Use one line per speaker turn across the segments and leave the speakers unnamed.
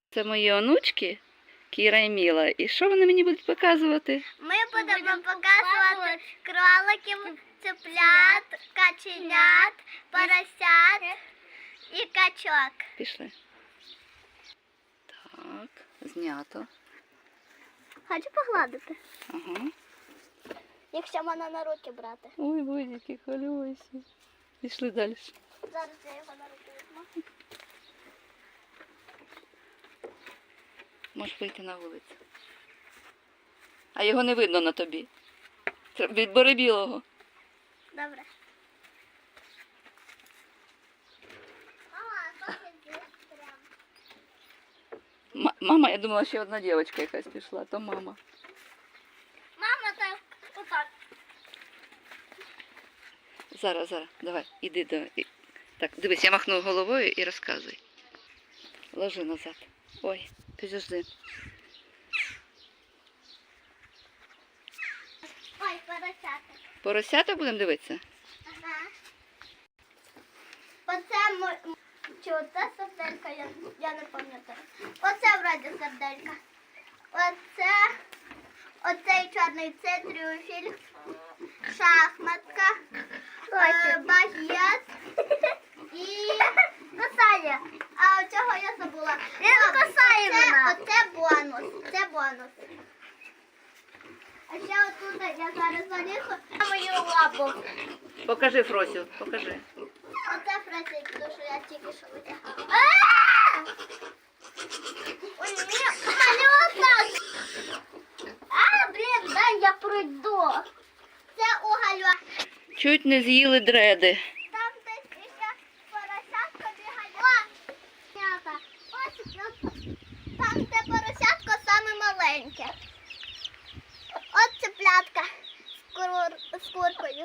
Це мої онучки, Кіра і Міла. І що вони мені будуть показувати?
Ми будемо показувати кроликів, цеплят, каченят, поросят і качок.
Пішли. Так, знято.
Хочу погладити,
Ага.
якщо мене на руки брати.
Ой, будь-які хвилюйся. Пішли далі.
Зараз я його на руки візьму.
Можеш вийти на вулицю. А його не видно на тобі. Відбери білого.
Добре. Мама, а що ти прям?
Мама, я думала, ще одна дівчинка якась пішла, то мама.
Мама, так, отак.
Зараз, давай, іди до... Так, дивись, я махну головою і розказуй. Ложи назад. Ой, підожди.
Ой, поросята.
Поросята будемо дивитися?
Ага. Оце чи оце серделька, я не пам'ятаю. Оце вроді серделька. Оцей чорний це трюфель, шахматка, багет і косає. А цього я забула. Він косає мене. Оце бонус. Це бонус. А ще отут я зараз залізу на мою лапу.
Покажи Фросю, покажи.
Оце просить, тому що я тільки що витягала. Ой, мене отак. Блін, дай я пройду. Це угольо.
Чуть не з'їли дреди.
Там десь ще поросятко бігає. О, м'ята. Ось, там де поросятко саме маленьке. От цеплятка з куркою.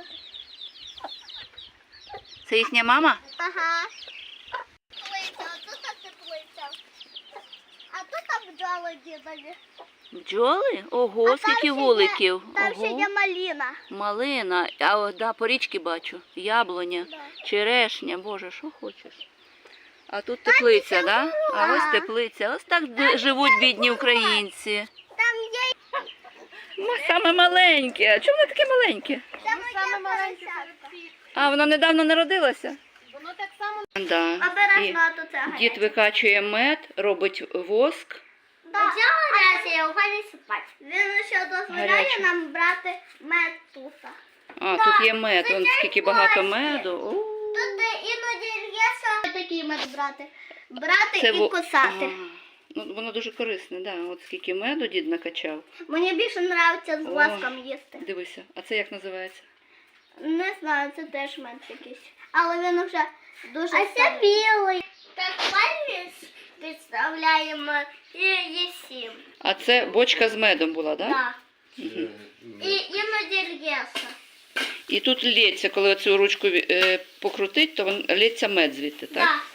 Це їхня мама?
Ага. Теплиця, а тут теплиця. А тут бджоли дідові.
Бджоли? Ого,
А
скільки
там ще
вуликів.
Там ще
Ого.
є маліна.
Малина, да, по річки бачу. Яблуня,
Да.
черешня, боже, що хочеш. А тут теплиця,
ще
да? А
ага.
ось теплиця. Ось так живуть бідні українці.
Там є
Саме маленьке. А чому вони такі маленькі?
саме поросятка.
А, вона недавно народилася?
Воно так само.
Да.
Обережно, а то це
Дід викачує мед, робить воск.
Да. Я уходить спати. Він ще дозволяє
Гаряче.
нам брати мед тут.
А,
Да,
тут є мед.
це
Вон
як
скільки багато
гості.
меду. О,
Тут іноді є що такий мед брати. Брати
це
і кусати.
Ага. Ну, воно дуже корисне, да. От скільки меду дід накачав.
Мені більше подобається з
О.
воском їсти.
Дивися, а це як називається?
Не знаю, це теж мед якийсь. Але він вже дуже А це білий. Так підставляємо і їсім.
А це бочка з медом була, так? Да?
Так. І іноді л'ється.
І тут лється, коли цю ручку покрутить, то лється мед звідти, так?
Так.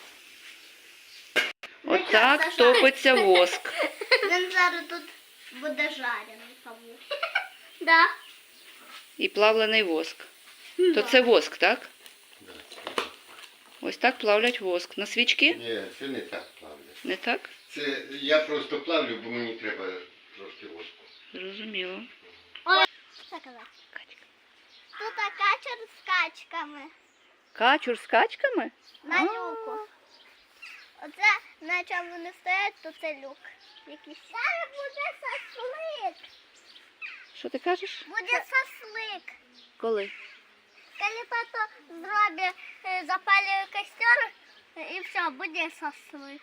Отак топиться воск.
Він зараз тут буде жарений кавун. Да.
І плавлений воск. То це воск, так?
Да.
Ось так плавлять воск. На свічки?
Ні, це не так плавлю.
Не так?
Це я просто плавлю, бо мені треба трошки воску.
Зрозуміло.
Що казати? Тут качер з качками.
Качур з качками?
На люку. Оце на чому вони стоять, то це люк. Якийсь. Зараз буде шашлик.
Що ти кажеш?
Буде шашлик.
Коли?
Коли тато зробить, запалює костер, і все, буде шашлик.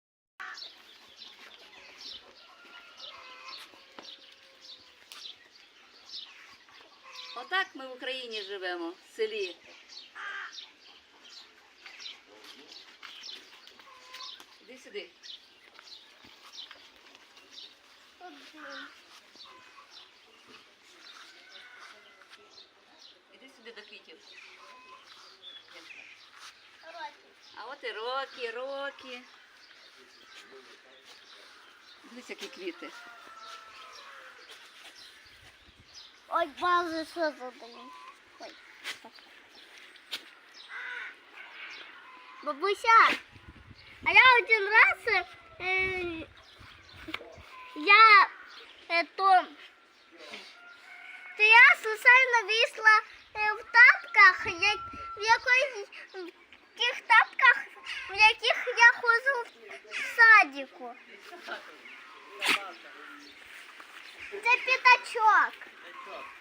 Отак ми в Україні живемо, в селі. Іди сюди. Іди сюди до квітів. А от і Рокі. Дивись, які квіти.
Ой, боже, що за день? Ой. Бабуся, а я один раз Сусальна вийшла в тапках, в тих тапках, в яких я ходжу в садіку. Це п'ятачок.